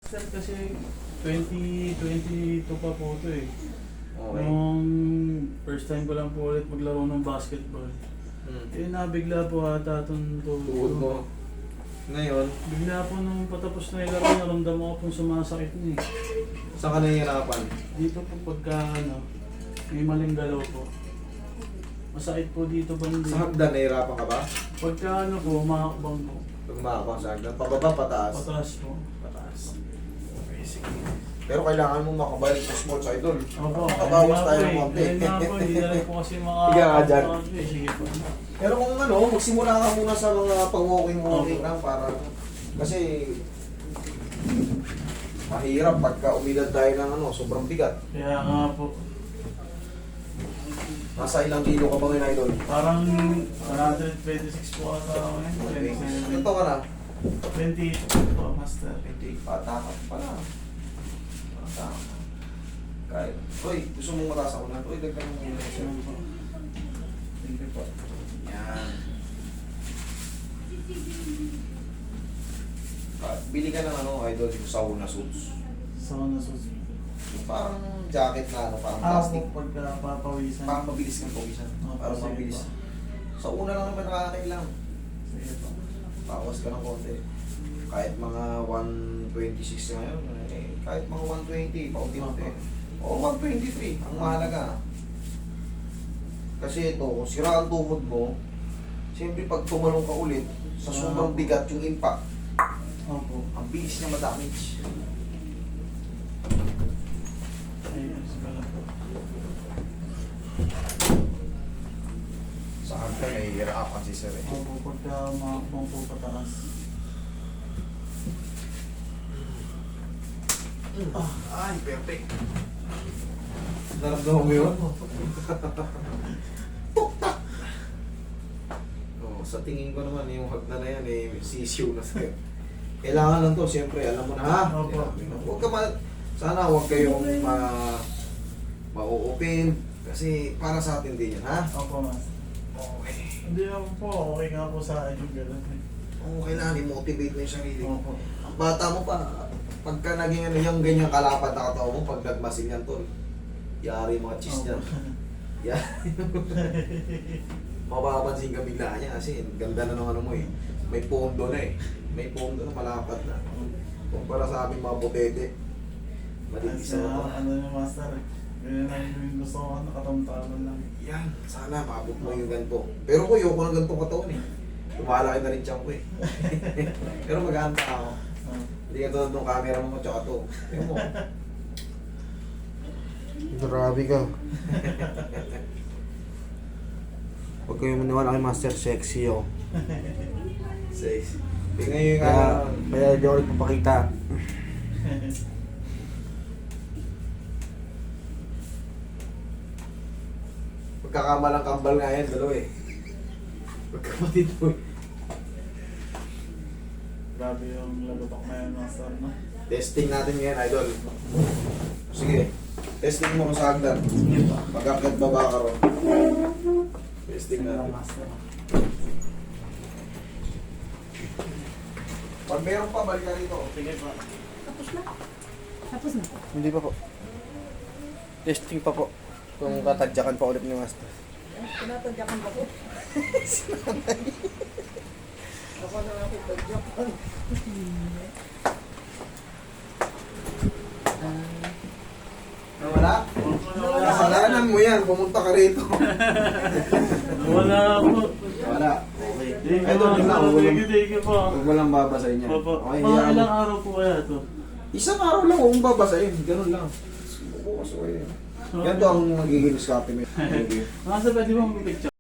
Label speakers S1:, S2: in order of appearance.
S1: Sir, kasi 2022 pa po ito eh.
S2: Okay.
S1: Nung first time ko lang po ulit maglaro ng basketball. Eh nabigla po ata itong
S2: Tuhod mo. Ngayon,
S1: Bigla po nung patapos na yung laro, naramdaman ko pong sumasakit na eh.
S2: saan ka nahihirapan?
S1: Dito po pagka may maling galaw po. Masakit po dito banda.
S2: Sa hagdan, nahihirapan ka ba?
S1: Pagka po, umakakbang po.
S2: Pag umakapang sa hagdan, pababa, pataas.
S1: Pataas po.
S2: Pataas. Okay, sige. Pero kailangan mo makabalik sa sports idol.
S1: Opo,
S2: Makabawas tayo ng konti.
S1: Ayun nga po, hindi na rin po kasi
S2: Higa ka dyan.
S1: Sige po.
S2: Pero kung magsimula ka muna sa mga pang-walking lang para... Kasi... mahirap pagka umidad tayo ng sobrang bigat.
S1: Kaya nga po.
S2: Nasa ilang kilo ka ba ngayon, idol?
S1: Parang 126 po ata ako ngayon.
S2: Ito ka na?
S1: 28 po, master.
S2: 28. Bata ka pa na. Bata ka. Kahit. Uy, gusto mong mataas ako na? Uy, dagdag mo muna siya.
S1: Thank you po.
S2: Yan. Bili ka ng idol, yung sauna suits.
S1: So, nasusunod.
S2: Yung parang jacket na parang
S1: Ah,
S2: plastic.
S1: po, pagka papawisan.
S2: Parang mabilis kang pawisan. Parang
S1: sige
S2: mabilis.
S1: po.
S2: Sa una lang naman nakakailang.
S1: Sige po.
S2: Bawas ka ng konti. Kahit mga 126 na ngayon, kahit mga 120, paunti-unti. O 123, ang mahalaga. Kasi ito, kung sira ang tuhod mo, siyempre pag tumalong ka ulit, sa sobrang bigat yung impact,
S1: Opo.
S2: ang bilis niya ma-damage.
S1: Ayos ka lang po.
S2: Sa hagdan, nahihirapan si Sir.
S1: Opo, pagka umakbang po pataas.
S2: Ay, perfect. Naramdaman mo yun? Tuktak! Oh, sa tingin ko naman, yung hagdan na yan, sisiw na sa'yo. Kailangan lang to, siyempre, alam mo na ha?
S1: Opo.
S2: Huwag ka sana huwag kayong ma-open. Kasi para sa atin din yan, ha?
S1: Opo, mas.
S2: Okay.
S1: Hindi naman po, okay nga po sa akin yung gano'n.
S2: Oo, kailangan i-motivate mo yung sarili mo.
S1: Opo.
S2: Ang bata mo pa, pagka naging yung ganyang kalapad na katawan mo, pag nagmasin yan tol, yari yung mga cheese niyan. Yan. Mapapansin ka bigla niya kasi ganda na ng mo eh. May pondo na eh. May pondo na malapad na. Kumpara sa aming mga botete. Malipis
S1: Kasi
S2: na ito.
S1: ano yung master, ganyan lang yung gusto ko, nakatamtaman lang.
S2: Yan, sana maabot mo yung ganito. Pero ko yung ng ganitong katawan eh. Lumalaki na rin tiyan ko eh. Pero mag-aanta ako. Hindi ka tulad ng camera mo tsaka to. Tingnan mo.
S3: Grabe ka. Huwag kayo maniwala kay Master Sexy oh.
S2: Sexy. Tingnan yung
S3: Kaya di ako nagpapakita.
S2: Pagkakamalang kambal nga yan, dalawa eh. Pagkapatid mo eh.
S1: Grabe yung lagotok na yun, master, no?
S2: Testing natin ngayon, idol. Sige. Testing mo sa hagdan.
S1: Sige pa.
S2: Pag-akyat baba ka ron. Testing
S1: Sige
S2: natin.
S1: master.
S2: Pag meron pa, balik ka rito.
S1: Sige pa.
S4: Tapos na. Tapos na.
S3: Hindi pa po. Testing pa po. Kung tatadyakan pa ulit ni Master.
S4: Tinatadyakan ba ko? Ako na lang kitadyakan.
S2: Nawala?
S1: Wala.
S2: Kasalanan mo yan. Pumunta ka rito.
S1: Wala po.
S2: Wala. Okay.
S1: Thank you,
S2: Idol,
S1: master.
S2: tingnan mo.
S1: Thank you po.
S2: Huwag mo lang babasahin yan.
S1: Opo.
S2: Okay,
S1: Mga
S2: hayaan mo.
S1: ilang araw po kaya ito?
S2: Isang araw lang huwag mong babasahin. Ganun lang. Bukas o yan. Ganito ang magiging discarte mo.
S1: Master, pwede mo mag-picture?